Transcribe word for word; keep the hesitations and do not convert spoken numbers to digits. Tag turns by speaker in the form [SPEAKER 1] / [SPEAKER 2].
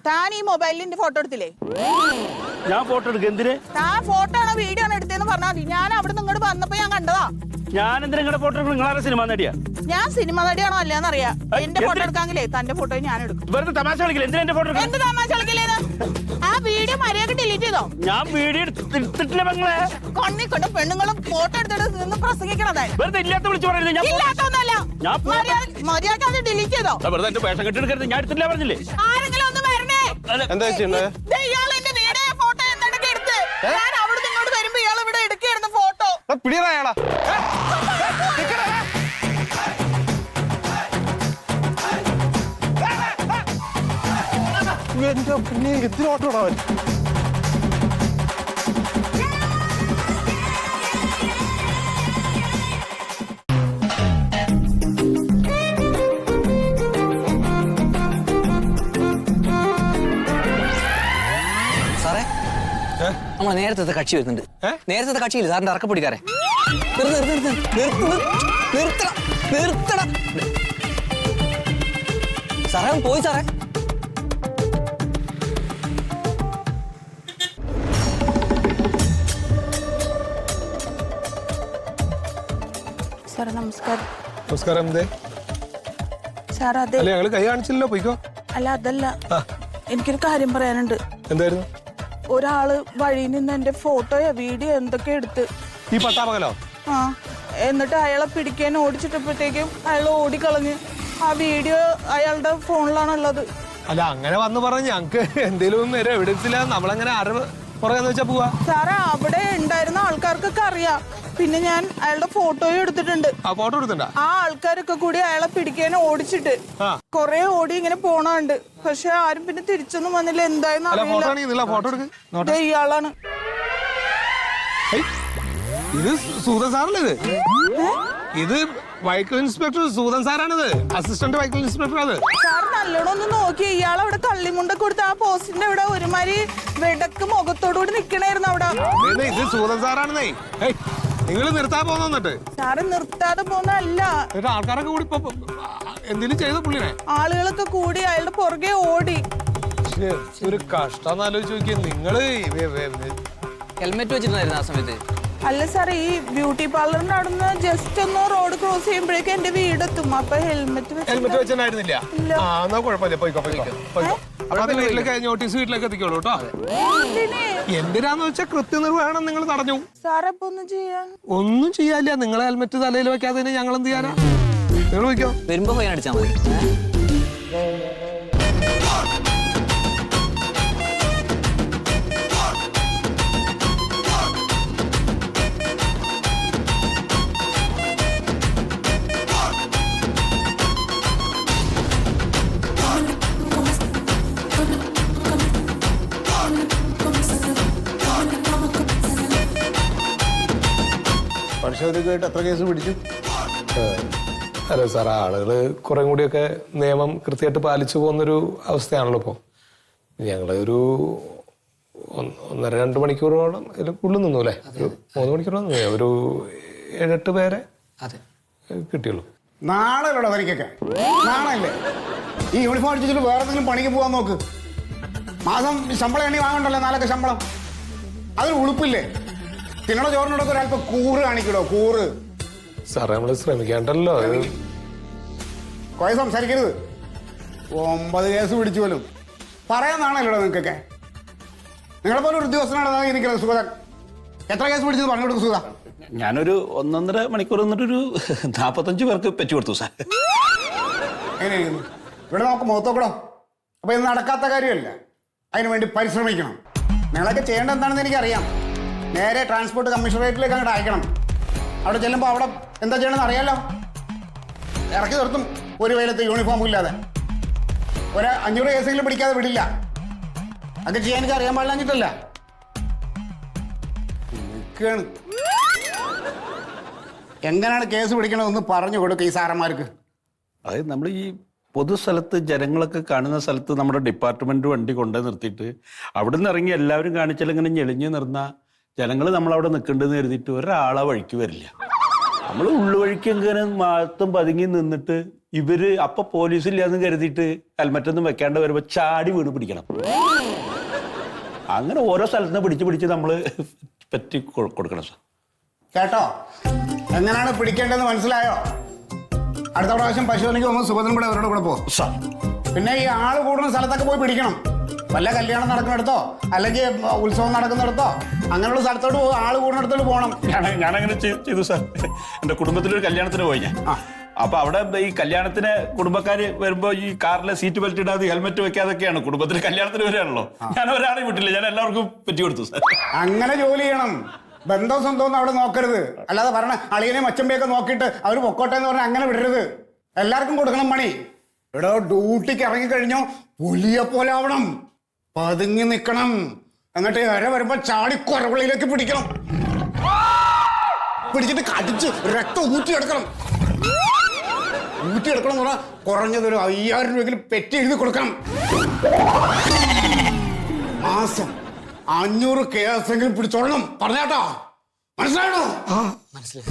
[SPEAKER 1] താൻ ഈ മൊബൈലിന്റെ ഫോട്ടോ എടുത്തില്ലേ?
[SPEAKER 2] ഞാൻ ഫോട്ടോ എടുക്കുക എന്തിന്?
[SPEAKER 1] താൻ ഫോട്ടോ ആണോ വീഡിയോ ആണോ എടുത്തേന്ന് പറഞ്ഞാൽ മതി. ഞാൻ അവിടെ നിങ്ങോട്ട് വന്നപ്പോ ഞാൻ കണ്ടതാ.
[SPEAKER 2] ഞാൻ എന്തിനാ നിങ്ങളുടെ ഫോട്ടോ എടുക്കണം? നിങ്ങളാരെ സിനിമ നടിയാ?
[SPEAKER 1] ഞാൻ സിനിമ നടിയാണോ അല്ലാന്ന് അറിയാം. എന്റെ ഫോട്ടോ എടുക്കാങ്കിലേ തന്റെ ഫോട്ടോ ഞാൻ എടുക്കും.
[SPEAKER 2] വെറുതെ തമാശ കളിക്കില്ല. എന്തിനാ എന്റെ ഫോട്ടോ എടുക്കണം?
[SPEAKER 1] എന്ത് തമാശ കളിക്കില്ലേന്ന്? ആ വീഡിയോ മര്യാദ ഡിലീറ്റ് ചെയ്തോ?
[SPEAKER 2] ഞാൻ വീഡിയോ എടുത്തിട്ടില്ല പെങ്ങളെ.
[SPEAKER 1] കണ്ണി കൊണ്ട് പെണ്ണുങ്ങളും ഫോട്ടോ എടുത്തിട്ട് നിന്ന് പ്രസംഗിക്കണതായി.
[SPEAKER 2] വെറുതെ ഇല്ലാത്ത വിളിച്ചു പറയുന്നത്. ഞാൻ
[SPEAKER 1] ഇല്ലാത്തൊന്നല്ല. മര്യാദ അത് ഡിലീറ്റ് ചെയ്തോ?
[SPEAKER 2] വെറുതെ എന്റെ വേഷം കെട്ടിയെടുക്കരുത്. ഞാൻ എടുത്തില്ല പറഞ്ഞില്ലേ?
[SPEAKER 1] ആരെങ്കിലും ഒന്ന് വരണേ.
[SPEAKER 3] എന്താ
[SPEAKER 1] ഇയാൾ എന്റെ വീഡിയോ ഫോട്ടോ എന്തൊക്കെ എടുത്ത് ഞാൻ അവിടെ നിങ്ങോട്ട് വരുമ്പോ ഇയാൾ ഇവിടെ എടുക്കായിരുന്നു ഫോട്ടോ.
[SPEAKER 3] പിടിയറായാളാ എന്റെ പിന്നെ എത്തിനോട്ടോടാ അവൻ.
[SPEAKER 4] സാറേ നമ്മളെ നേരത്തെ കക്ഷി വരുന്നുണ്ട്. നേരത്തെ കക്ഷിയില്ല സാറിന്റെ അറക്കപ്പൊടിക്കാരെ. നിർത്തണം സാറേ പോയി സാറേ.
[SPEAKER 1] സാർ നമസ്കാരം.
[SPEAKER 3] നമസ്കാരം. എന്തേ
[SPEAKER 1] സാർ? അതെ.
[SPEAKER 3] അല്ല ഞങ്ങള് കൈ കാണിച്ചില്ലല്ലോ, പോയിക്കോ.
[SPEAKER 1] അല്ല അതല്ല, എനിക്കൊരു കാര്യം പറയാനുണ്ട്.
[SPEAKER 3] എന്തായിരുന്നു?
[SPEAKER 1] ഒരാള് വഴിയിൽ നിന്ന് എന്റെ ഫോട്ടോയോ വീഡിയോ എന്തൊക്കെ എടുത്ത്.
[SPEAKER 3] ഈ പട്ടാപകലോ?
[SPEAKER 1] ആ, എന്നിട്ട് അയാളെ പിടിക്കാൻ ഓടിച്ചിട്ടപ്പോഴത്തേക്കും അയാൾ ഓടിക്കളഞ്ഞ്. ആ വീഡിയോ അയാളുടെ ഫോണിലാണുള്ളത്.
[SPEAKER 3] അല്ല അങ്ങനെ വന്ന് പറഞ്ഞ് ഞങ്ങക്ക് എന്തേലും നേരെ എവിഡൻസ് ഇല്ല. നമ്മളങ്ങനെ ആരും പുറകെന്ന് വെച്ചാ പോവാ.
[SPEAKER 1] സാറേ അവിടെ ഉണ്ടായിരുന്ന ആൾക്കാർക്കൊക്കെ അറിയാം. പിന്നെ ഞാൻ അയാളുടെ ഫോട്ടോയും എടുത്തിട്ടുണ്ട്.
[SPEAKER 3] ആ ഫോട്ടോ എടുത്തിട്ടുണ്ടോ?
[SPEAKER 1] ആ ആൾക്കാരൊക്കെ കൂടി അയാളെ പിടിക്കാൻ ഓടിച്ചിട്ട് കൊറേ ഓടി ഇങ്ങനെ പോണുണ്ട്. പക്ഷെ ആരും പിന്നെ തിരിച്ചൊന്നും വന്നില്ല. എന്തായെന്ന് അറിയില്ല.
[SPEAKER 3] ഫോട്ടോ എടുക്ക്.
[SPEAKER 1] ഇയാളാണ്.
[SPEAKER 3] ഇത് സൂതൻ സാറല്ലേ? ഇത് ഇത് വെഹിക്കിൾ ഇൻസ്പെക്ടർ സൂതൻ സാറാണിത്. Assistant vehicle inspector. അത്
[SPEAKER 1] സാർ നല്ലോണം ഒന്ന് നോക്കി. ഇയാൾ അവിടെ കള്ളിമുണ്ട കൊടുത്ത് ആ പോസ്റ്റിന്റെ അവിടെ ഒരുമാതിരി വെടക്ക് മുഖത്തോടുകൂടി നിക്കണായിരുന്നു അവിടെ.
[SPEAKER 3] ഇത് സൂതൻ സാറാണെന്നേ. നിങ്ങൾ നിർത്താൻ പോന്നിട്ട്
[SPEAKER 1] സാറ് നിർത്താതെ പോന്നല്ല.
[SPEAKER 3] ആൾക്കാരൊക്കെ കൂടി എന്തെങ്കിലും ചെയ്ത പുള്ളിനെ
[SPEAKER 1] ആളുകളൊക്കെ കൂടി അയാളുടെ പുറകെ ഓടി.
[SPEAKER 3] ഒരു കഷ്ടം ആലോചിച്ച് നോക്കിയ നിങ്ങള്.
[SPEAKER 4] ഹെൽമെറ്റ് വെച്ചിട്ടുണ്ടായിരുന്നു ആ സമയത്ത്?
[SPEAKER 1] അല്ല സാർ, ഈ ബ്യൂട്ടി പാർലറിന്റെ അവിടെ നിന്ന് ജസ്റ്റ് ഒന്ന് റോഡ് ക്രോസ് ചെയ്യുമ്പോഴേക്കും എന്റെ വീടെത്തും. അപ്പൊ ഹെൽമെറ്റ്
[SPEAKER 3] ഹെൽമെറ്റ് വെച്ചിട്ടുണ്ടായിരുന്നില്ല. ആ എന്നാ കുഴപ്പമില്ല, പോയിക്കോ പോയിക്കോ പോയിക്കോ. അപ്പൊ അത് വീട്ടിലേക്ക് നോട്ടീസ് വീട്ടിലേക്ക് എത്തിക്കോളൂ കേട്ടോ. എന്തിനാന്ന് വെച്ചാൽ കൃത്യനിർവഹണം നിങ്ങൾ തടഞ്ഞു.
[SPEAKER 1] സാർ അപ്പൊ ഒന്നും ചെയ്യാൻ
[SPEAKER 3] ഒന്നും ചെയ്യാനില്ല. നിങ്ങൾ ഹെൽമെറ്റ് തലയിൽ വെക്കാതെ ഞങ്ങൾ എന്ത് ചെയ്യാനാ? നിങ്ങൾ വയ്ക്കോ.
[SPEAKER 4] വരുമ്പോ പോയി അടിച്ചാൽ മതി.
[SPEAKER 5] പരിശോധനയ്ക്കായിട്ട് എത്ര കേസ് പിടിച്ചു?
[SPEAKER 3] അല്ല സാർ, ആളുകള് കുറെ കൂടിയൊക്കെ നിയമം കൃത്യമായിട്ട് പാലിച്ചു പോകുന്നൊരു അവസ്ഥയാണല്ലോ ഇപ്പോൾ. ഞങ്ങളൊരു ഒന്നര രണ്ട് മണിക്കൂറോളം ഇതിൽ കൂടുതൽ നിന്നു അല്ലേ? ഒരു മൂന്ന് മണിക്കൂറോളം നിന്നു. ഒരു ഏഴെട്ട് പേരെ കിട്ടിയുള്ളൂ.
[SPEAKER 5] നാളെ ഉള്ളൂ തനിക്കൊക്കെ. നാളെ ഈ യൂണിഫോം അടിച്ചിട്ട് വേറെ എന്തെങ്കിലും പണിക്ക് പോകാൻ നോക്ക്. മാസം ശമ്പളം എണ്ണി വാങ്ങണ്ടല്ലോ, നാലൊക്കെ ശമ്പളം. അതിന് ഉളുപ്പില്ലേ? തിന്നണ ചോറിനോടൊക്കെ ഒരല്പം കൂറ് കാണിക്കണോ, കൂറ്.
[SPEAKER 3] സാറേ നമ്മൾ ശ്രമിക്കേണ്ടല്ലോ.
[SPEAKER 5] കുറെ സംസാരിക്കരുത്. ഒമ്പത് കേസ് പിടിച്ചു പോലും പറയാന്നാണല്ലോ നിങ്ങൾക്കൊക്കെ. നിങ്ങളെപ്പോലെ ഒരു ഉദ്യോഗസ്ഥനാണ് ഇരിക്കുന്നത് സുഗതൻ. എത്ര കേസ് പിടിച്ചത് പറഞ്ഞു കൊടുക്കും സുഗത?
[SPEAKER 2] ഞാനൊരു ഒന്നൊന്നര മണിക്കൂർ നിന്നിട്ടൊരു നാപ്പത്തഞ്ച് പേർക്ക് പറ്റി കൊടുത്തു സാർ.
[SPEAKER 5] എങ്ങനെയായിരുന്നു? ഇവിടെ നമുക്ക് മുഖത്തോക്കടോ. അപ്പൊ ഇത് നടക്കാത്ത കാര്യമല്ല. അതിനു വേണ്ടി പരിശ്രമിക്കണം. നിങ്ങളൊക്കെ ചെയ്യേണ്ടത് എന്താണെന്ന് എനിക്കറിയാം. നേരെ ട്രാൻസ്പോർട്ട് കമ്മീഷണറേറ്റിലേക്ക് അങ്ങോട്ട് അയക്കണം. അവിടെ ചെല്ലുമ്പോൾ അവിടെ എന്താ ചെയ്യണമെന്ന് അറിയാലോ. ഇറക്കി നിർത്തും ഒരു വെയിലത്ത് യൂണിഫോം ഇല്ലാതെ. ഒരു അഞ്ഞൂറ് കേസെങ്കിലും പിടിക്കാതെ വിടില്ല. അത് ചെയ്യാൻ എനിക്ക് അറിയാൻ പാടില്ലാഞ്ഞിട്ടല്ല. നിൽക്കുകയാണ്. എങ്ങനെയാണ് കേസ് പിടിക്കണമെന്ന് പറഞ്ഞു കൊടുക്കുക ഈ സാറന്മാർക്ക്.
[SPEAKER 2] അതായത് നമ്മൾ ഈ പൊതുസ്ഥലത്ത് ജനങ്ങളൊക്കെ കാണുന്ന സ്ഥലത്ത് നമ്മുടെ ഡിപ്പാർട്ട്മെന്റ് വണ്ടി കൊണ്ടുപോയി നിർത്തിയിട്ട് അവിടെ നിന്ന് ഇറങ്ങി എല്ലാവരും കാണിച്ചാൽ ഇങ്ങനെ ഞെളിഞ്ഞ് നിർന്ന ജനങ്ങൾ നമ്മളവിടെ നിൽക്കേണ്ടതെന്ന് കരുതിയിട്ട് ഒരാളെ വഴിക്ക് വരില്ല. നമ്മൾ ഉള്ളുവഴിക്ക് എങ്ങനെ മാത്രം പതുങ്ങി നിന്നിട്ട് ഇവര് അപ്പൊ പോലീസില്ലാന്ന് കരുതിയിട്ട് ഹെൽമെറ്റൊന്നും വെക്കാണ്ട് വരുമ്പോ ചാടി വീണ് പിടിക്കണം. അങ്ങനെ ഓരോ സ്ഥലത്ത് പിടിച്ച് പിടിച്ച് നമ്മള് പറ്റി കൊടുക്കണം സാർ.
[SPEAKER 5] കേട്ടോ, എങ്ങനെയാണ് പിടിക്കേണ്ടതെന്ന് മനസ്സിലായോ? അടുത്ത പ്രാവശ്യം പശുവിലേക്ക് പോകുമ്പോൾ സുഭദ്രൻ കൂടെ അവരുടെ കൂടെ പോകും. പിന്നെ ഈ ആള് കൂടുന്ന സ്ഥലത്തൊക്കെ പോയി പിടിക്കണം. വല്ല കല്യാണം നടക്കുന്നിടത്തോ അല്ലെങ്കിൽ ഉത്സവം നടക്കുന്നിടത്തോ അങ്ങനെയുള്ള സ്ഥലത്തോട്ട് പോകും. ആള് കൂടുന്നിടത്തോട്ട് പോകണം.
[SPEAKER 2] ഞാൻ ഞാനങ്ങനെ ചെയ്തു സാർ. എൻ്റെ കുടുംബത്തിലൊരു കല്യാണത്തിന് പോയി ഞാൻ. അപ്പൊ അവിടെ ഈ കല്യാണത്തിന് കുടുംബക്കാര് വരുമ്പോ ഈ കാറിലെ സീറ്റ് ബെൽറ്റ് ഇടാതെ ഹെൽമെറ്റ് വെക്കാതൊക്കെയാണ് കുടുംബത്തിൽ കല്യാണത്തിന് വരാണല്ലോ. ഞാൻ ഒരാളെ വിട്ടില്ല, ഞാൻ എല്ലാവർക്കും പറ്റി കൊടുത്തു സാർ.
[SPEAKER 5] അങ്ങനെ ജോലി ചെയ്യണം. ബന്ധവും സ്വന്തവും അവിടെ നോക്കരുത്. അല്ലാതെ പറഞ്ഞ അളിയനെയും അച്ചമ്പയൊക്കെ നോക്കിയിട്ട് അവർ പൊക്കോട്ടെ എന്ന് പറഞ്ഞാൽ അങ്ങനെ വിടരുത്. എല്ലാവർക്കും കൊടുക്കണം പണി. ഇവിടെ ഡ്യൂട്ടിക്ക് ഇറങ്ങിക്കഴിഞ്ഞോ പുലിയെ പോലെ ആവണം, പതുങ്ങി നിൽക്കണം. എന്നിട്ട് ഇര വരുമ്പോ ചാടി കൊരവളിയിലേക്ക് പിടിക്കണം, പിടിച്ചിട്ട് കടിച്ച് രക്തം ഊറ്റിയെടുക്കണം. ഊറ്റിയെടുക്കണം എന്ന് പറഞ്ഞാൽ കുറഞ്ഞതൊരു അയ്യായിരം രൂപയെങ്കിലും പെറ്റി എഴുതി കൊടുക്കണം. മാസം അഞ്ഞൂറ് കേസെങ്കിലും പിടിച്ചോളണം. പറഞ്ഞാട്ടോ, മനസ്സിലായോ?